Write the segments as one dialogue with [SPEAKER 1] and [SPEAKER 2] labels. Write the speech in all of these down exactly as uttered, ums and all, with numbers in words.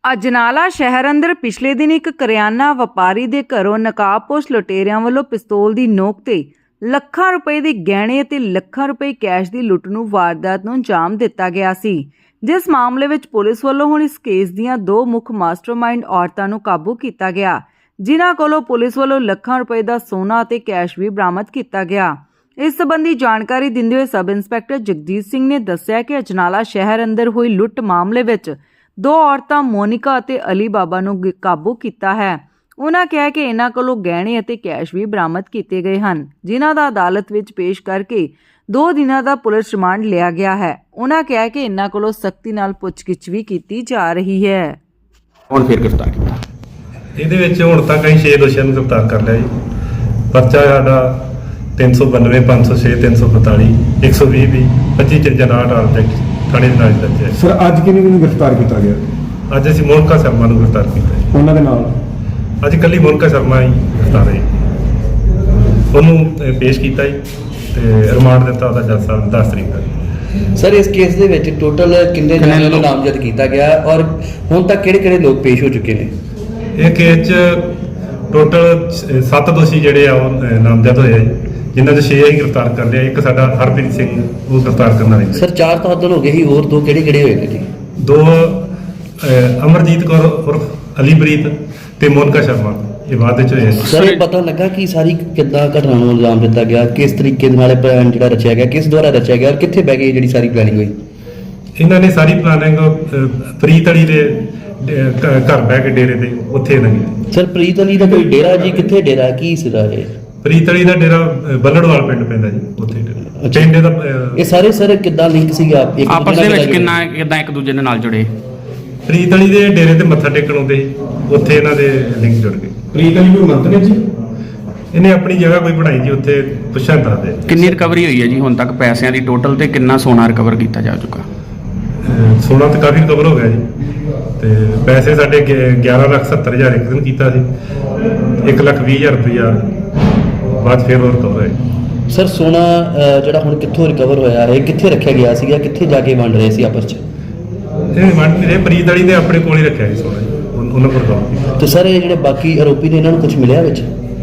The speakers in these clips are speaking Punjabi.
[SPEAKER 1] ਅਜਨਾਲਾ ਸ਼ਹਿਰ ਅੰਦਰ ਪਿਛਲੇ ਦਿਨ ਇੱਕ ਕਰਿਆਨਾ ਵਪਾਰੀ ਦੇ ਘਰੋਂ ਨਕਾਬਪੋਸ਼ ਲੁਟੇਰਿਆਂ ਵੱਲੋਂ ਪਿਸਤੌਲ ਦੀ ਨੋਕ ਤੇ ਲੱਖਾਂ ਰੁਪਏ ਦੇ ਗਹਿਣੇ ਅਤੇ ਲੱਖਾਂ ਰੁਪਏ ਕੈਸ਼ ਦੀ ਲੁੱਟ ਨੂੰ ਵਾਰਦਾਤ ਨੂੰ ਅੰਜਾਮ ਦਿੱਤਾ ਗਿਆ ਸੀ, ਜਿਸ ਮਾਮਲੇ ਵਿੱਚ ਪੁਲਿਸ ਵੱਲੋਂ ਹੁਣ ਇਸ ਕੇਸ ਦੀਆਂ ਦੋ ਮੁੱਖ ਮਾਸਟਰਮਾਈਂਡ ਔਰਤਾਂ ਨੂੰ ਕਾਬੂ ਕੀਤਾ ਗਿਆ, ਜਿਨ੍ਹਾਂ ਕੋਲੋਂ ਪੁਲਿਸ ਵੱਲੋਂ ਲੱਖਾਂ ਰੁਪਏ ਦਾ ਸੋਨਾ ਅਤੇ ਕੈਸ਼ ਵੀ ਬਰਾਮਦ ਕੀਤਾ ਗਿਆ। ਇਸ ਸੰਬੰਧੀ ਜਾਣਕਾਰੀ ਦਿੰਦੇ ਹੋਏ ਸਬ ਇੰਸਪੈਕਟਰ ਜਗਜੀਤ ਸਿੰਘ ਨੇ ਦੱਸਿਆ ਕਿ ਅਜਨਾਲਾ ਸ਼ਹਿਰ ਅੰਦਰ ਹੋਈ ਲੁੱਟ ਮਾਮਲੇ ਵਿੱਚ ਦੋ ਔਰਤਾਂ ਮੋਨਿਕਾ ਅਤੇ ਅਲੀ ਬਾਬਾ ਨੂੰ ਕਾਬੂ ਕੀਤਾ ਹੈ। ਉਨ੍ਹਾਂ ਕਿਹਾ ਕਿ ਇਹਨਾਂ ਕੋਲੋਂ ਗਹਿਣੇ ਅਤੇ ਕੈਸ਼ ਵੀ ਬਰਾਮਦ ਕੀਤੇ ਗਏ ਹਨ, ਜਿਨ੍ਹਾਂ ਦਾ ਅਦਾਲਤ ਵਿੱਚ ਪੇਸ਼ ਕਰਕੇ ਦੋ ਦਿਨਾਂ ਦਾ ਪੁਲਿਸ ਰਿਮਾਂਡ ਲਿਆ ਗਿਆ ਹੈ। ਉਨ੍ਹਾਂ ਕਿਹਾ ਕਿ ਇਹਨਾਂ ਕੋਲੋਂ ਸਖਤੀ ਨਾਲ ਪੁੱਛਗਿੱਛ ਵੀ ਕੀਤੀ ਜਾ ਰਹੀ ਹੈ।
[SPEAKER 2] ਹੁਣ ਫਿਰ ਗ੍ਰਿਫਤਾਰ ਕੀਤਾ
[SPEAKER 3] ਇਹਦੇ ਵਿੱਚ ਹੁਣ ਤੱਕ ਅਸੀਂ ਛੇ ਦੋਸ਼ੀਆਂ ਨੂੰ ਗ੍ਰਿਫਤਾਰ ਕਰ ਲਿਆ ਜੀ। ਪਰਚਾ ਸਾਡਾ ਤਿੰਨ ਸੌ ਬਾਨਵੇਂ ਪੰਜ ਸੌ ਛੇ ਤਿੰਨ ਸੌ ਪੰਤਾਲੀ ਇੱਕ ਸੌ ਵੀਹ ਵੀ ਪੱਚੀ ਚਰਜਨਾਟ ਆਬਜੈਕਟ ਥਾਣੇ ਦੇ ਨਾਲ ਦਰਜ ਹੈ।
[SPEAKER 4] ਸਰ ਅੱਜ ਕਿਹਨੂੰ ਕਿਹਨੂੰ ਗ੍ਰਿਫਤਾਰ ਕੀਤਾ ਗਿਆ?
[SPEAKER 3] ਅੱਜ ਅਸੀਂ ਮੋਨਿਕਾ ਸ਼ਰਮਾ ਨੂੰ ਗ੍ਰਿਫਤਾਰ ਕੀਤਾ ਹੈ।
[SPEAKER 4] ਉਹਨਾਂ ਦੇ ਨਾਲ
[SPEAKER 3] ਅੱਜ ਇਕੱਲੀ ਮੋਨਿਕਾ ਸ਼ਰਮਾ ਹੀ ਗ੍ਰਿਫਤਾਰ ਹੈ। ਉਹਨੂੰ ਅਹ, ਪੇਸ਼ ਕੀਤਾ ਜੀ ਤੇ ਰਿਮਾਂਡ ਦਿੱਤਾ ਉਹਦਾ ਜੱਜ ਸਾਹਿਬ ਨੇ ਦਸ ਤਰੀਕ ਦਾ।
[SPEAKER 2] ਸਰ ਇਸ ਕੇਸ ਦੇ ਵਿੱਚ ਟੋਟਲ ਕਿੰਨੇ ਜਣਿਆਂ ਨੂੰ ਨਾਮਜ਼ਦ ਕੀਤਾ ਗਿਆ ਔਰ ਹੁਣ ਤੱਕ ਕਿਹੜੇ ਕਿਹੜੇ ਲੋਕ ਪੇਸ਼ ਹੋ ਚੁੱਕੇ ਨੇ?
[SPEAKER 3] ਇਹ ਕੇਸ 'ਚ ਟੋਟਲ ਸੱਤ ਦੋਸ਼ੀ ਜਿਹੜੇ ਆ ਉਹ ਅਹ, ਨਾਮਜ਼ਦ ਹੋਏ ਆ ਜੀ, ਜਿਨ੍ਹਾਂ 'ਚ ਛੇ ਅਸੀਂ ਗ੍ਰਿਫਤਾਰ ਕਰ ਲਿਆ। ਇੱਕ ਸਾਡਾ ਹਰਪ੍ਰੀਤ ਸਿੰਘ ਉਹ ਗ੍ਰਿਫਤਾਰ ਕਰਨ ਵਾਲੇ
[SPEAKER 2] ਸਰ ਚਾਰ ਤਾਂ ਉਦੋਂ ਹੋ ਗਏ ਸੀ, ਹੋਰ ਦੋ ਕਿਹੜੇ ਕਿਹੜੇ ਹੋਏ ਨੇ ਜੀ?
[SPEAKER 3] ਦੋ ਅਹ, ਅਮਰਜੀਤ ਕੌਰ ਉਰਫ ਅਲੀਪ੍ਰੀਤ ਤੇ ਮੋਨਿਕਾ ਸ਼ਰਮਾ ਇਹ ਬਾਅਦ ਵਿੱਚ ਹੋਏ।
[SPEAKER 2] ਸਰ ਇਹ ਪਤਾ ਲੱਗਾ ਕਿ ਸਾਰੀ ਕਿੱਦਾਂ ਘਟਨਾ ਨੂੰ ਇਲਜ਼ਾਮ ਦਿੱਤਾ ਗਿਆ, ਕਿਸ ਤਰੀਕੇ ਦੇ ਨਾਲ ਇਹ ਪਲਾਨ ਜਿਹੜਾ ਰਚਿਆ ਗਿਆ, ਕਿਸ ਦੁਆਰਾ ਰਚਿਆ ਗਿਆ ਔਰ ਕਿੱਥੇ ਬਹਿ ਗਈ ਜਿਹੜੀ ਸਾਰੀ ਪਲੈਨਿੰਗ ਹੋਈ?
[SPEAKER 3] ਇਹਨਾਂ ਨੇ ਸਾਰੀ ਪਲਾਨਿੰਗ ਪ੍ਰੀਤ ਅਲੀ ਦੇ ਡੇ- ਘ- ਘਰ ਬਹਿ ਕੇ ਡੇਰੇ ਤੇ ਉੱਥੇ ਇਹਨਾਂ ਨੇ।
[SPEAKER 2] ਸਰ ਪ੍ਰੀਤ ਅਲੀ ਦਾ ਕੋਈ ਡੇਰਾ ਜੀ, ਕਿੱਥੇ ਡੇਰਾ, ਕੀ ਸਿਰਾ ਇਹ?
[SPEAKER 3] ਪ੍ਰੀਤ ਅਲੀ ਦਾ ਡੇਰਾ ਅਹ, ਬੱਲੜਵਾਲ ਪਿੰਡ ਪੈਂਦਾ ਜੀ, ਉੱਥੇ ਡੇਰਾ।
[SPEAKER 2] ਅੱਛਾ।
[SPEAKER 3] ਪਿੰਡ ਦਾ ਅਹ,
[SPEAKER 2] ਇਹ ਸਾਰੇ ਸਰ ਕਿੱਦਾਂ ਲਿੰਕ ਸੀਗਾ ਇੱਕ
[SPEAKER 5] ਆਪਸ
[SPEAKER 2] ਦੂਜੇ
[SPEAKER 5] ਦੇ
[SPEAKER 2] ਨਾਲ
[SPEAKER 5] ਵਿੱਚ
[SPEAKER 2] ਜੁੜੇ?
[SPEAKER 5] ਕਿੰਨਾ ਕਿੱਦਾਂ ਇੱਕ ਦੂਜੇ ਦੇ ਨਾਲ ਜੁੜੇ?
[SPEAKER 3] ਪ੍ਰੀਤ ਅਲੀ ਦੇ ਡੇਰੇ ਤੇ ਮੱਥਾ ਟੇਕਣ ਆਉਂਦੇ ਸੀ, ਉੱਥੇ ਇਹਨਾਂ ਦੇ ਲਿੰਕ ਜੁੜ ਗਏ।
[SPEAKER 4] ਪ੍ਰੀਤ ਅਲੀ ਕੋਈ ਮੰਤਰੀ ਜੀ?
[SPEAKER 3] ਇਹਨੇ ਆਪਣੀ ਜਗ੍ਹਾ ਕੋਈ ਬਣਾਈ ਜੀ, ਉੱਥੇ ਪੁੱਛਾਂ ਦੱਸਦੇ।
[SPEAKER 5] ਕਿੰਨੀ ਰਿਕਵਰੀ ਹੋਈ ਹੈ ਜੀ ਹੁਣ ਤੱਕ ਪੈਸਿਆਂ ਦੀ ਟੋਟਲ ਤੇ ਕਿੰਨਾ ਸੋਨਾ ਰਿਕਵਰ ਕੀਤਾ ਜਾ ਚੁੱਕਾ?
[SPEAKER 3] ਅਹ, ਸੋਨਾ ਤਾਂ ਕਾਫੀ ਰਿਕਵਰ ਹੋ ਗਿਆ ਜੀ ਤੇ ਪੈਸੇ ਸਾਡੇ ਗਿ- ਗਿਆਰਾਂ ਲੱਖ ਸੱਤਰ ਹਜ਼ਾਰ ਇੱਕ ਦਿਨ ਕੀਤਾ ਸੀ, ਇੱਕ ਲੱਖ ਵੀਹ ਹਜ਼ਾਰ ਰੁਪਈਆ ਬਾਅਦ ਫਿਰ ਹੋਰ ਰਿਕਵਰ ਹੋਇਆ।
[SPEAKER 2] ਸਰ ਸੋਨਾ ਅਹ, ਜਿਹੜਾ ਹੁਣ ਕਿੱਥੋਂ ਰਿਕਵਰ ਹੋਇਆ ਹੈ, ਕਿੱਥੇ ਰੱਖਿਆ ਗਿਆ ਸੀਗਾ, ਕਿੱਥੇ ਜਾ ਕੇ ਵੰਡ ਰਹੇ ਸੀ ਆਪਸ 'ਚ?
[SPEAKER 3] ਇਹ ਮੰਨ ਨਹੀਂ ਰਹੇ, ਪ੍ਰੀਤ ਅਲੀ ਨੇ ਆਪਣੇ ਕੋਲ ਹੀ ਰੱਖਿਆ ਸੀ ਸੋਨਾ ਜੀ, ਉਨ- ਉਹਨਾਂ ਕੋਲ ਰਿਕਵਰ ਕੀਤਾ।
[SPEAKER 2] ਤੇ ਸਰ ਇਹ ਜਿਹੜੇ ਬਾਕੀ ਆਰੋਪੀ ਨੇ ਇਹਨਾਂ ਨੂੰ ਕੁਝ ਮਿਲਿਆ ਵਿੱਚ?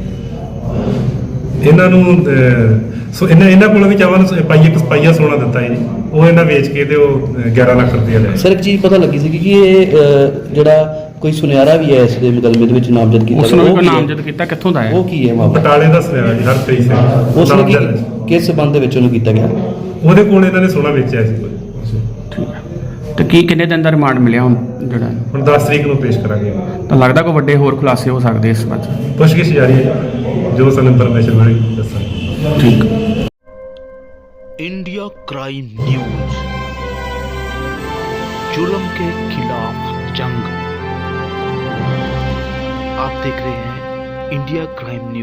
[SPEAKER 3] ਇਹਨਾਂ ਨੂੰ ਅਹ, ਸੋ ਇਹਨਾਂ ਇਹਨਾਂ ਕੋਲੋਂ ਵੀ ਚਾਵਨ ਪਾਈਏ ਇੱਕ ਪਾਈਆ ਸੋਨਾ ਦਿੱਤਾ ਜੀ, ਉਹ ਇਹਨਾਂ ਵੇਚ ਕੇ ਤੇ ਉਹ ਅਹ, ਗਿਆਰਾਂ ਲੱਖ ਰੁਪਈਆ ਲਿਆ।
[SPEAKER 2] ਸਰ ਇੱਕ ਚੀਜ਼ ਪਤਾ ਲੱਗੀ ਸੀ ਕਿ ਇਹ ਅਹ, ਜਿਹੜਾ ਕੋਈ ਸੁਨਿਆਰਾ ਵੀ ਹੈ ਇਸ ਦੇ ਮੁਕੱਦਮੇ ਦੇ ਵਿੱਚ ਨਾਮਜ਼ਦ ਕੀਤਾ
[SPEAKER 5] ਉਸ ਨੂੰ ਵੀ
[SPEAKER 2] ਉਹ
[SPEAKER 5] ਕੋਈ
[SPEAKER 2] ਕੀ ਹੈ?
[SPEAKER 5] ਨਾਮਜ਼ਦ ਕੀਤਾ, ਕਿੱਥੋਂ ਦਾ ਹੈ?
[SPEAKER 2] ਉਹ ਕੀ ਹੈ ਮਾਮਲਾ?
[SPEAKER 3] ਬਟਾਲੇ ਦਾ ਸੁਨਿਆਰਾ ਜੀ ਹਰਪ੍ਰੀਤ ਸਿੰਘ
[SPEAKER 2] ਉਸ ਨੇ
[SPEAKER 3] ਨਾਮਜ਼ਦ ਹੈ।
[SPEAKER 2] ਕੀ ਕਿਸ ਸਬੰਧ ਦੇ ਵਿੱਚ ਉਹਨੂੰ ਕੀਤਾ ਗਿਆ?
[SPEAKER 3] ਉਹਦੇ ਕੋਲ ਇਹਨਾਂ ਨੇ ਸੋਨਾ ਵੇਚਿਆ ਸੀ ਕੋਈ।
[SPEAKER 5] ਠੀਕ ਹੈ। ਤੇ ਕੀ ਕਿੰਨੇ ਦਿਨ ਦਾ ਰਿਮਾਂਡ ਮਿਲਿਆ ਹੁਣ ਜਿਹੜਾ?
[SPEAKER 3] ਹੁਣ ਦਸ ਤਰੀਕ ਨੂੰ ਪੇਸ਼ ਕਰਾਂਗੇ।
[SPEAKER 5] ਤਾਂ ਲੱਗਦਾ ਕੋਈ ਵੱਡੇ ਹੋਰ ਖੁਲਾਸੇ ਹੋ ਸਕਦੇ ਇਸ ਬਾਰੇ?
[SPEAKER 3] ਪੁੱਛਗਿੱਛ ਜਾਰੀ ਹੈ ਜੀ, ਜੋ ਸਾਨੂੰ ਇਨਫੋਰਮੇਸ਼ਨ ਮਿਲੇਗੀ ਦੱਸਾਂਗੇ।
[SPEAKER 5] ਠੀਕ।
[SPEAKER 6] इंडिया क्राइम न्यूज, जुल्म के खिलाफ जंग। आप देख रहे हैं इंडिया क्राइम न्यूज।